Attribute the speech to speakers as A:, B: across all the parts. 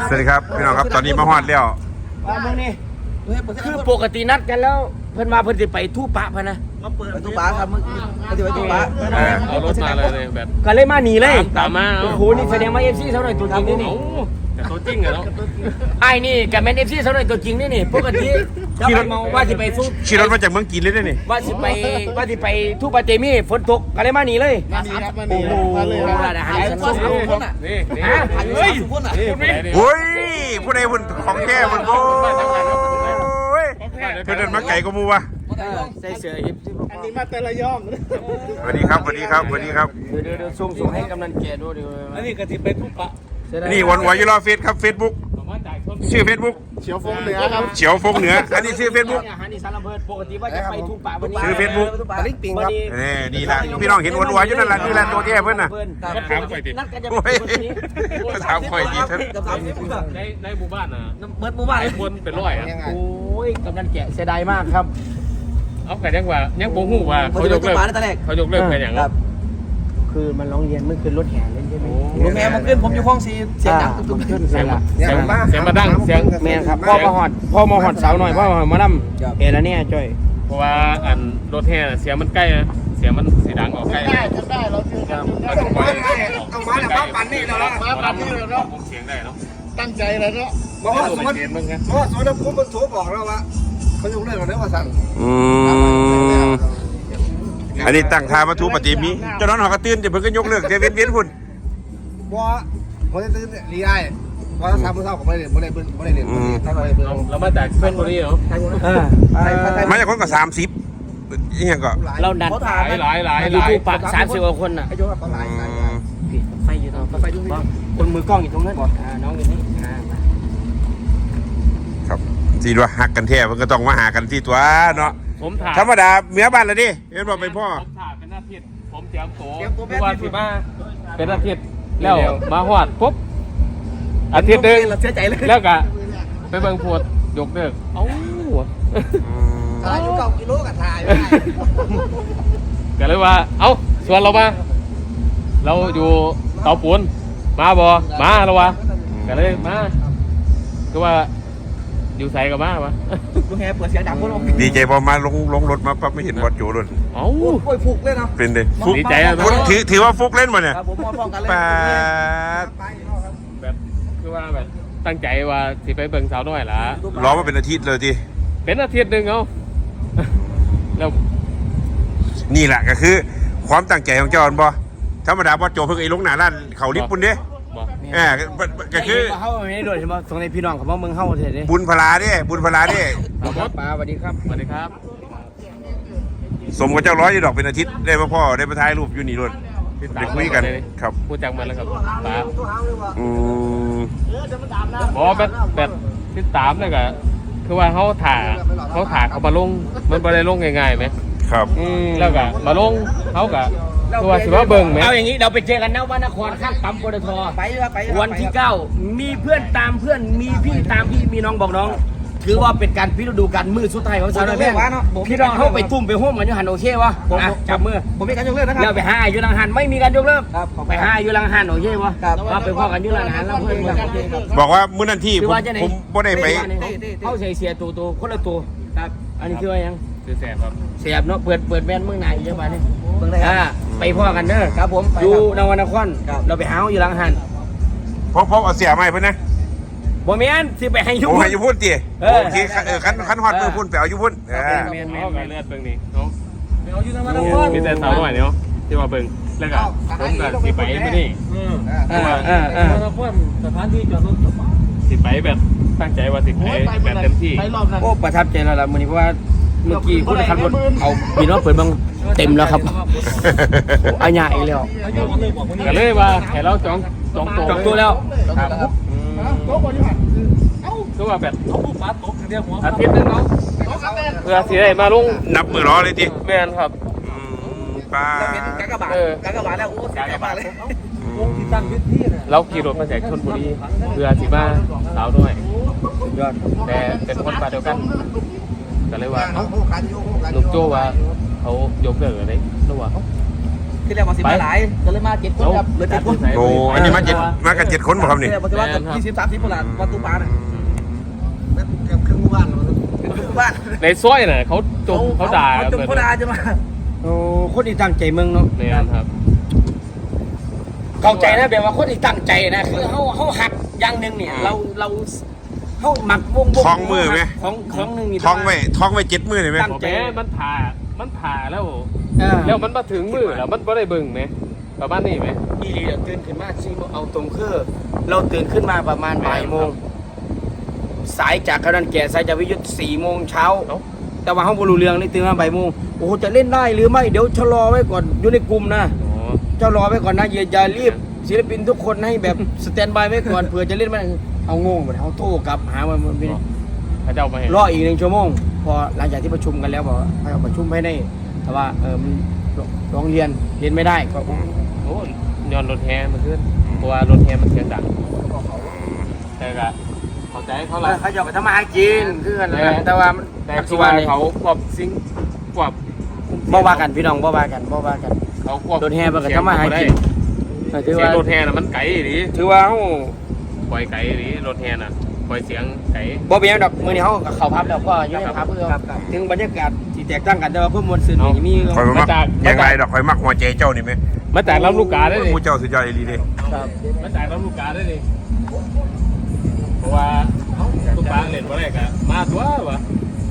A: สวัสดีครับพี่น้องครับตอนนี้มาฮอดแล้ว
B: คือปกตินัดกันแล้วเพิ่นมาเพิ่นจะไปทู่ปะพะนะ
C: ไปตู้ปลาครับมึงจะไปตู้ปลา
D: เอารถมาเลยแบบ
B: ก็เลยมาหนีเลย
D: ตามมา
B: โอ้โหนี่แสดงว่า FC เท่าไหร่ตัวจริงนี่นี่
D: แต่ตัวจริงอะเนาะ
B: ไอ้นี่กับแมน FC เท่าไหร่ตัวจริงนี่นี่ปกติขี่รถมาว่าสิไปสู้
A: ขี่รถมาจากเมืองจีนเลยนี่
B: ว่าสิไปทู่ปะเตมีฝนตกก็เลยมาหนีเลย
C: มาดีครับมา
B: โอ้
C: ดี
B: โหร้านอาหารชั้นสูง
C: คนอ่ะ
D: นี่นี่
C: เฮ้ยคนอ่ะ
A: โอ้ยผู้ใดพุ่นของแท้พุ่นโอ้ยเพื่อนเดินมาไก่ก็มูวะ
B: ใส่เสื้อ FC
C: อันนี้มาแต่ละย่อม
A: สวัสดีครับสวัสดีครับสวัสดีครับ
B: เดี๋ยวส่งให้กำนันแก่ดูเดี๋ยว
C: อันนี้ก็จะไปตู้ปลา
A: นี่วันวายุรอเฟซครับเฟซบุ๊กชื่อเฟซบุ๊ก
C: เฉียวฟงเหนือครับ
A: เฉียวฟงเหนืออันนี้ชื่อเฟซบุ๊ก
B: อาหารอีสานลำเพิดปกติว่าจะไปทู่ปะวันนี้
A: ชื่อ Facebook
C: ปลาลิ้นปิงครับ
A: นี่ละพี่น้องเห็นวันวายุนั่นแหละนี่แหละตัวแท้เพื่อนน่ะ
D: ก็ถามไปดิ
B: นัดกันจะ
A: โอ้
B: ไป
A: ย
B: วันนี้
A: มาถามข่อยดีท่าน
C: กับสามสิบคน
D: ในหมู่บ้านน่ะ
C: เบิดหมู่บ้าน
D: ไอ้คนเป็นร้อยอ่ะ
B: โอ้ยกำนันแกะเสียดายมากครับ
D: เอาแต่ยังว่ายังโบหูว่าเขายกเลิกเขายกเลิกกันอย่าง
C: ครับ
B: คือมันร้องเรียนเมื่อคืนรถแห่เล่นใช่ไหม
C: ลุงแม่มาขึ้นผมอยู่ห้องซีเสียงดังตุ้ม
B: ขึ้น
D: เสี
B: ใส่
D: ยง
B: ละ
D: เสียงมาดังเสียง
B: แม่ครับพ่อมาหอดสาวหน่อยพ่อมาล่ำเอแล้วเนี่ยจ้อย
D: เพราะว่าอันรถแห่เสียงมันใกล้นะเสียงมันสีดังออกใกล้
C: ได้เราเจอกัน
D: เราต้องปล่อย
C: เอามาเนี่ยมาปั่นนี่แล้วนะมาปั่นนี่แล้วเนาะ
D: เสียงได้เนาะ
C: ตั้งใจแล้วเนาะบอกว่าสมมติ
D: เสียงมึงไง
C: เพราะว่าสมมติผมมันโทรบอกเราว่าเขายกเลิกเราแล้วว่าสั่ง
A: อันนี้ตั้งทามาทูปฏิมีเจ้าน้องหอกระตื้นจะเพิ่งก็ยกเลิกเดวินเวียนพุ่น
C: บ่ผมจะตื่นรีไอ้ว่าทำมื้อเช้าผมไม่ได้บ่ได้เบิ่งบ่ได้เล่นบ่ได้ทำอะไรเบิ่ง
D: เรามาจากเพื่อนคนนี้เนาะ
A: มาจากคนก็30อีหยังก็
B: เราดัน
D: หลาย
B: ยูทูบปาก30กว่าคนน่ะ
C: ไอ้โยกเขาหลาย
B: ผิดไฟอยู่ตรงไฟอยู่คนมือกล้องอยู่ตรงนั้นน้องอยู่นี่
A: ครับสิว่าหักกันแท้มันก็ต้องมาหากันที่ตัวเนาะ
D: ผมถาม
A: ธรรมดาเมียบ้านละดิเห็นบอกเป็นพ่อ
D: ผมถามเป็นอาทิตย์ผมเตรียมตัววันที่มาเป็นอาทิตย์แล้วมาหอดปุ๊บอาทิตย์นึง
C: เราเสียใจเลย
D: แล้วก็ไปเบิ่งพวดยกเลิกเอ้า
C: ถ่ายอยู่9 กิโลก็ถ่าย
D: ก็เลยว่าเอ้าส่วนเรามาเราอยู่เตาปูนมาบ่มาแล้ววะก็เลยมาคือว่าอยู่ใส่กับมาวะ
C: ลุงแฮเปิดเสียงดังพวกเรา
A: ดีใจพอมาลงรถมาปั๊บไม่เห็นวัดโจรถ
D: เอ้า
C: โอ้ยฟุกเลยเนาะ
A: เป็นเลยฟุก
D: ดีใจอะ
A: ถือว่าฟุกเล่นมาเนี่ย
C: ครับผมมองกันเลย
A: แปด
D: แบบคือว่าแบบตั้งใจว่าสิไปเบิ่งสาวน้อยล่ะ
A: รอมาเป็นอาทิตย์เลยที
D: เป็นอาทิตย์นึงเอ้าแล้ว
A: นี่แหละก็คือ ความตั้งใจของเจ้าอันบ่ธรรมดาวัดโจเพิ่งไอ้ลงหน้าร้านเขาลิฟต์ปุ่นเด้
D: บอก
A: ก็คือ
B: เข้าไม่ได้โดนใช่ไหมตรงในพี่น้องเขาบอกมึงเข้าเถอะดิ
A: บุญพลาเด้บุญพลาเด้
B: ป้าสวัสดีครับ
D: สวัสดีครับ
A: สมกับเจ้าร้อยดอกเป็นอาทิตย์ได้พ่อได้มาถ่ายรูปอยู่นี่รถได้คุยกันครับ
D: พูดจักมันแล้วครับป้า
A: อืม
D: บอกแบบที่ตามเลยก็คือว่าเขาถ่าเขามาลงมันไม่ได้ลงง่ายๆไหม
A: ครับ
D: แล้วก็มาลงเขาก็คือว่าสิว่าเบิ่งไหม
B: เอาอย่างนี้เราไปเจอกันนะวันนครข้างปั๊มปตท
C: ไปครับไป
B: วันที่ 9 มีเพื่อนตามเพื่อนมีพี่ตามพี่มีน้องบอกน้อง ถือว่าเป็นการพิจารณาการมือสุดท้ายของสาวน้อยแม่พี่น้องเข้าไปตุ้มไปห้มกันอยู่หันโอเควะจับมือ
C: ผมมีการยกเลิกนะครับ
B: แล้วไปหาอยู่ลังหันไม่มีการยกเลิก
C: ครับ
B: ไปหาอยู่ลังหันโอเควะว่าไปพ่อกันอยู่ลังหันแล้วเพื่อนกัน
A: บอกว่ามื้อนั้นที่
B: คือ
A: ผม
B: ว่าจะไหน
A: ผมบ่ได้ไป
B: เข้าใส่เสียตัวคนละตัวครับอันนี้คือว่ายัง
D: คือแสบครับ
B: เสียบเนาะเปิดแว่นเมืองไหนยังไงนี่
C: เบิ่งได้ครับ
B: ไปพ่อกันเด้อ
C: ครับผม
B: อยู่นวนครเราไปหาอยู่ลังหัน
A: เพราะเอาเสียใหม่เพิ่นนะ
B: บ่แม่นสิไปให้ยุ่
A: ผม
B: ง
A: ให้อยู่พุ่นติโอเคคันฮอดมือพุ่นไปเอาอยู่พุ่น
D: เขาก็เลือดเบิ่งนี่เขา
C: เอาอยู่ทางนั้น
D: มีแต่สาวน้อยเนาะที่ว่าเบิ่งแล้วก็ผมก็สิไปมื้อนี้
C: สถานที่จอดรถ
D: สิไปแบบตั้งใจว่าสิไปแบบเต็มที่
C: ไปรอบนั้น
B: โอ้ประทับใจแล้วล่ะมื้อนี้เพราะว่าเมื่อกี้คนขับรถเอาพี่น้องเปิดบังเต็มแล้วครับอาญาอีกแล้ว
D: ก็เลยว่าให้เราจอง
B: จองตัวแล้ว
D: ครับ
C: โต๊ะบนอยู่หัน
D: คือว่าแบบ
C: เขาปุ๊บปั๊บตกเดียวหัว
D: อาทิตย์นึงเนาะ
C: โต๊ะกันแน่
D: เพื่อสิได้มาลง
A: นับมือรอเลยติ
D: แม่นครับ
A: ป้า
C: เราเป็นกากบาทกากบาทแล้วโอ้กากบาทเลย
D: ที่ตั้งที่เราขี่รถมาจากชลบุรีเพื่อสิมาสาวด้วยยอดแต่เป็นคนบ้านเดียวกันก็เลยว่าเอ้าลุงโจ้ว่าเขายกเลิกอะไรหรือว่า
E: ที่แรกว่าสิมาหลายก็เลยมา7 คนครับเหลือ7 คน
A: โอ้อันนี้มากัน7 คนบ่ครับนี่
E: ที่แรกว่าสิว่ากัน20-30 คนละประตูปลาน่ะ
C: นั่นเกือบครึ่งหมู่บ้าน
E: บ้าน
D: ในซอยน่ะเขาจมเขาด่า
E: เขาจมเขาด่าจะมา
B: โอ้คนที่ตั้งใจเมืองเนาะ
D: เนี่ยครับ
B: เข้าใจนะแบบว่าคนที่ตั้งใจนะคือเขาหักอย่างหนึ่งเนี่ยเราเขาหมักวง
A: ท้องมือไหม
B: ของหนึ่งนี่
A: ท้องไว้7 มื้อได้ไหม
B: ตั้ง
D: แหมมันผ่าแล้ว
B: เออ
D: แล้วมันมาถึงมือแล้วมันไม่ได้เบิ่งไหมประมาณนี้ไหม
B: อีหลีตื่นขึ้นมาซีโมงเอาตรงคือเราตื่นขึ้นมาประมาณบ่ายโมงสายจากกระดานแก่สายจากวิทยุ4 โมงเช้า แต่ว่าเขาบรู้เรื่องนี่ตื่นมาบ่ายโมงโอ้โหจะเล่นได้หรือไม่เดี๋ยวชะลอไว้ก่อนอยู่ในกลุ่มนะ
D: อ๋อ
B: ชะลอไว้ก่อนนะอย่ารีบศิลปินทุกคนให้แบบสแตนบายไว้ก่อนเผื่อจะเล่นมันเอางงหมดเอาโต้กลับหามันไม่ได้
D: พระเจ้ามาเห็น
B: รออีก1 ชั่วโมงพอหลังจากที่ประชุมกันแล้วบอกว่าให้เอาประชุมให้ได้แต่ว่ามันร้องเรียนไม่ได้ก็
D: โอ้ย้อนรถแฮมันขึ้นเพราะว่ารถแฮมันเสียงดังแต่ก็เข้าใจเขาละ
B: เขาจะไปทำมาหากินคือกันนะแต่ว่า
D: แต่
B: ปัจ
D: คื
B: จุ
D: อ
B: บั
D: ว่าน
B: นี้
D: เขาควบซิงควบ
B: บ่ว่ากันพี่น้องบ่ว่ากัน
D: เขาควบ
B: รถแฮมันก็ทำมาหากินถือ
D: เสียง
B: ว่าร
D: ถแฮน่ะมันไกลดิ
B: ถือว่าเขา
D: ปล่อยไกลดิรถแฮน่ะปล่อยเสียงไกล
B: บ่เป็นหยังดอกมื้อนี้เขาก็เข้าพับแล้วก็อยู่ในพับเพื่อถึงบรรยากาศที่แตกต่างกันแต่ว่าเพิ่มมวลซื่นนี่มี
A: ข่อยบ่มักอย่างไรดอกข่อยมักหัวใจเจ้านี่ไหม
D: มาจากลำลูกกาได้ดิ
A: ผู้เจ้าสุดยอดอีหลีเด้
B: ครับ
D: มาจากลำลูกกาได้ดิเพราะว่าลูกกาเล่นบ่ได้ก็มาตัววะ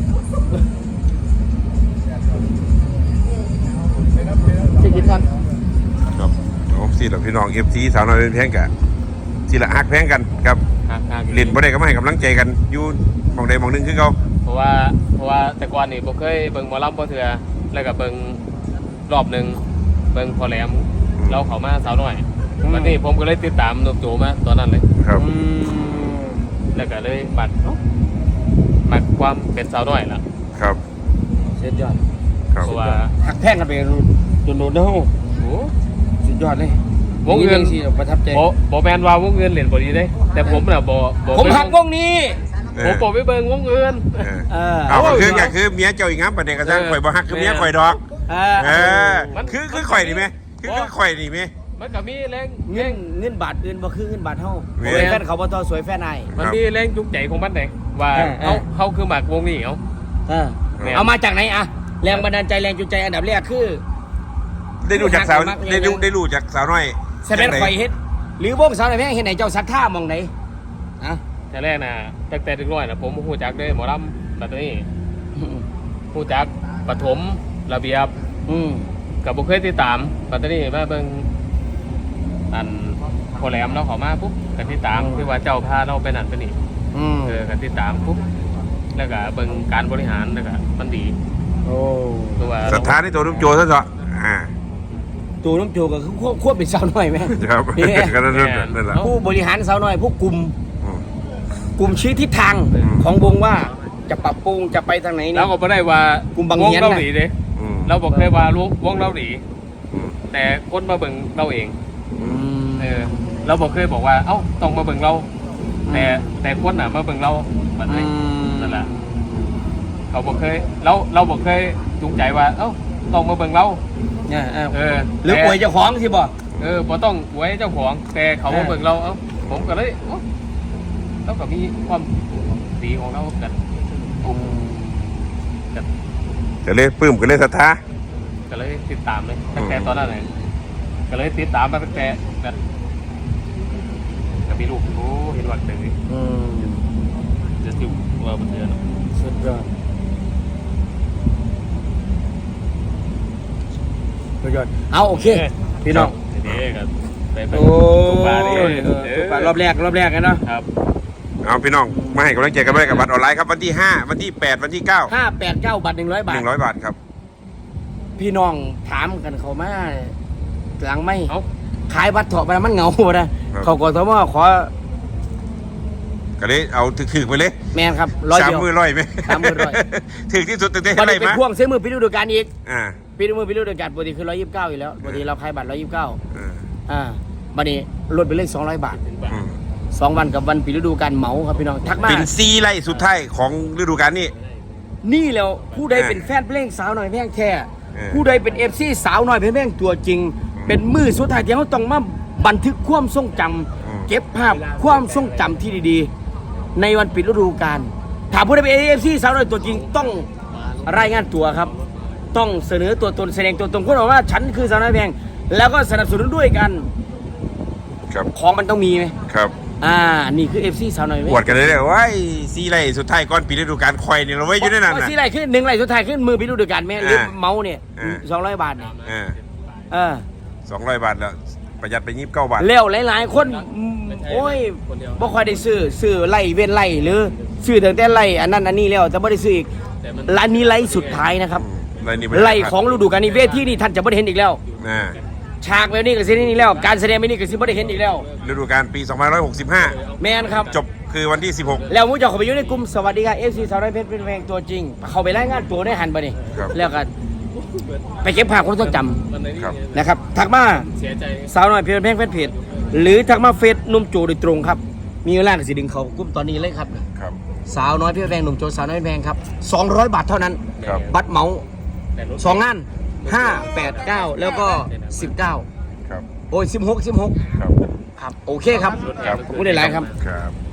B: สิกินกัน
A: ครับเอาสิล่ะพี่น้อง FC สาวน้อยเป็นแพงกะสิละฮักแพงกันครับ
D: ห่างๆ
A: เล่นบ่ได้ก็มาให้กำลังใจกันอยู่หม่องใดหม่องหนึงคือเก่า
D: เพราะว่าแต่ก่อนนี่ผมเคยเบิ่งหมอลำบ่เถื่อแล้วก็เบิ่งรอบหนึ่งเบิ่งพอแหลมเราเข้ามาสาวน้อยวันนี้ผมก็เลยติดตามหนุ่มโจมาตอนนั้นเลย
A: ครับ
D: แล้วก็เลยมักความเป็นสาวน้อยล่ะ
A: ครับ
B: เสียยอด
A: ครับ
D: เพราะว่า
B: หักแพงกันไปโดนๆเด้อ
D: โอ้
B: สุดยอดเลยว
D: งเงิน
B: สิประทับใจ
D: บ่แม่นว่าวงเงินเล่นบ่ดีเด้แต่ผมน่ะบ่
B: ผมหักวงนี้
D: ผมบ่ไปเบิ่งวงเงิน
A: เอาก็คือเมียเจ้าอีกงั้นประเด็นกระทั่งข่อยบ่ฮักคือเมียข่อยดอกคือข่อยนี่ไหมคือข่อยนี่ไหม
D: มันก็มีแรง
B: เงินบาทอื่นบ่คือเงินบาทเฮา
A: แม่
B: แฟนเขาบ่ต่อสวยแฟนนาย
D: มันมีแรงจูงใจของมันเด้ว่าเฮาคือมักวงนี้เฮา
B: เอามาจากไหนอะแรงบันดาลใจแรงจูงใจอันดับแรกคือ
A: ได้รู้จากสาวได้รู้จากสาวน้อย
B: แสดงข่อยเฮ็ดหรือวงสาวไหนแม่งเฮ็ดไหนเจ้าศรัทธามองไหนอะ
D: แต่แรกน่ะตั้งแต่เด็กน้อยน่ะผมฮู้จักเด้หมอลำบัดนี้ฮู้จักปฐมระเบียบก็บ่เคยติดตามบัดนี้มาเบิ่งอันพอแหลมเราเข้ามาปุ๊บก็ติดตามที่ว่าเจ้าพาเราไปนั่นไปนี่ก็ติดตามปุ๊บแล้วก็เบิ่งการบริหารแล้วก็มันดี
B: โอ้
D: ตัวว่า
A: ศรัทธาในตัวนุ่มโจซะเถอะ
B: ตัวน้ำโจก็คือควบเป็นสาวน้อยไหม
A: ครับ
B: นี่
A: ก็นั่นแหละ
B: ผู้บริหารสาวน้อยผู้กลุ่มชี้ทิศทางของวงว่าจะปรับปรุงจะไปทางไหน
D: แล้
B: เนี่
D: วย ก็บ่ได้ว่าก
B: ลุ่มบาง
D: วง
B: เฮียน
D: เรา
B: น่ะ
D: ดีเด้เราบอกเคยว่าวงเราดีแต่คนมาเบิ่งเราเองเราบอกเคยบอกว่าเอ้าต้องมาเบิ่งเราแต่คนน่ะมาเบิ่งเราแบบนี้นั่นแหละเขาบอกเคยเราบอกเคยจูงใจว่าเอ้าต้องมาเบิ่งเรา
B: หรือป่วยเจ้าของสิบ่
D: พอต้องไว้เจ้าของแต่เขามาเบิ่งเราเอ้าผมก็เลยเราก็มีความดีของเรากัน
A: จะเลยปลื้มก็เลยศรัทธา
D: ก็เลยติดตามเลยตั้งแต่ตอนนั้นเลยก็เลยติดตามมาตั้งแต่แบบก็มีลูกโอ้เห็นว่าเดือดจะจิ้วว่ามันเดือด
B: สุดยอดสุดยอดเอาโอเคพี่น้อง
D: เด็กครับไป
B: โอ้
D: ปลาเนี่ย
B: รอบแรกกันเนาะ
D: ครับ
A: เอาพี่น้องมาให้กำลังใจกันด้วยกับบัตรออนไลน์ครับวันที่5วันที่8วันที่9
B: 589บาท100 บาท
A: 100 บาทครับ
B: พี่น้องถามกันเขามาหลังไม่
D: เอ้า
B: ขายบัตรเถาะไปมันเหงาบ่นะเขากทมขอ
A: ก็เลยเอาถือไปเลย
B: แมนครับ100
A: สาม
B: เดียว
A: มือร้อยไหม
B: 30,100
A: ถือที่สุดตั้งแต่
B: วัน
A: อะไร
B: นี้เป็น
A: มา
B: พ่วงเส้นมือพิฤดูกาลอีก
A: อ่า
B: พิฤดูกาลปกติคือ129อยู่แล้วปกติเราขายบัตร129วันนี้ลดไปเลย200 บาท 2 วันกับวันพิฤดูกาลเหมาครับพี่น้องทักมา
A: เป็นซีไล่สุดท้ายของฤดูกาลนี้
B: นี่แล้วผู้ใดเป็นแฟนเพลงสาวหน่อยแพงแท้
A: เออ
B: ผู้ใดเป็น FC สาวหน่อยแพงตัวจริงเป็นมือสุดท้ายที่เขาต้องมาบันทึกความทรงจำเก็บภาพความทรงจำที่ดีๆ ในวันปิดฤดูกาลถามผู้ใดเป็น AFC สาวน้อยตัวจริงต้องรายงานตัวครับ ต้องเสนอตัวตนแสดงตัวตนคนบอกว่าฉันคือสาวน้อยแพงแล้วก็สนับสนุนด้วยกัน
A: ครับ
B: ของมันต้องมีไหม
A: ครับ
B: นี่คือ FC สาวน้อยแพง
A: ปวดกันเลยเนี่ยว่าซีไรสุดท้ายก่อนปีฤดูกาลคอยเนี่ยเราไว้อยู่ในนั้น
B: ว่า
A: น่ะ
B: ที่ไรขึ้นหนึ่งไรสุดท้ายขึ้นมือปิดฤดูกาลแม่หรือ
A: อ่า
B: เมาส์เนี่ย
A: อ่า
B: 200 บาทเนี่ย
A: อ่า200 บาทแล้วประหยัดไป29 บาท
B: แล้วหลายๆคนโอ้ยบ่ค่อยได้ซื้อไล่เว้นไล่หรือซื้อตั้งแต่ไล่อันนั้นอันนี้แล้วแต่บ่ได้ซื้ออีกร้านนี้ไล่สุดท้ายนะครับ ไล่ของฤดูกาลนี้เวทีนี่ท่านจะบ่ได้เห็นอีกแล้ว
A: อ่า
B: ฉากแบบนี้ก็สิได้นี่แล้วการแสดงแบบนี้ก็สิบ่ได้เห็นอีกแล้ว
A: ฤดูกาลปี2565
B: แม่นครับ
A: จบคือวันที่ 16
B: แล้วมูเจ้าเข้าไปอยู่ในกลุ่มสวัสดีครับ FC สาวน้อยเพชรเป็นแพงตัวจริงเข้าไปรายงานตัวได้หันไปนี่
A: ครับ
B: แล้วก็ไปเก็บภาพความทรงจ
A: ครับ
B: ำนะครับทักมา
D: เสียใจ
B: สาวน้อยเพชรแพงแฟนเพจหรือทักมาเฟซหนุ่มโจโดยตรงครับมีเวลาก็สิดึงเขากลุ่มตอนนี้เลยครับ
A: ครับ
B: สาวน้อยเพชรแพงหนุ่มโจสาวน้อยแพงครับ200 บาทเท่านั้น
A: ครับ
B: บัตรเหมา2 งาน5 8 9 แล้วก็ 19
A: ครับ
B: โอ้ย16
A: ครับ
B: ครับโอเคครับ
A: ครับ
B: ขอบคุณหลายๆครับ
A: ครับ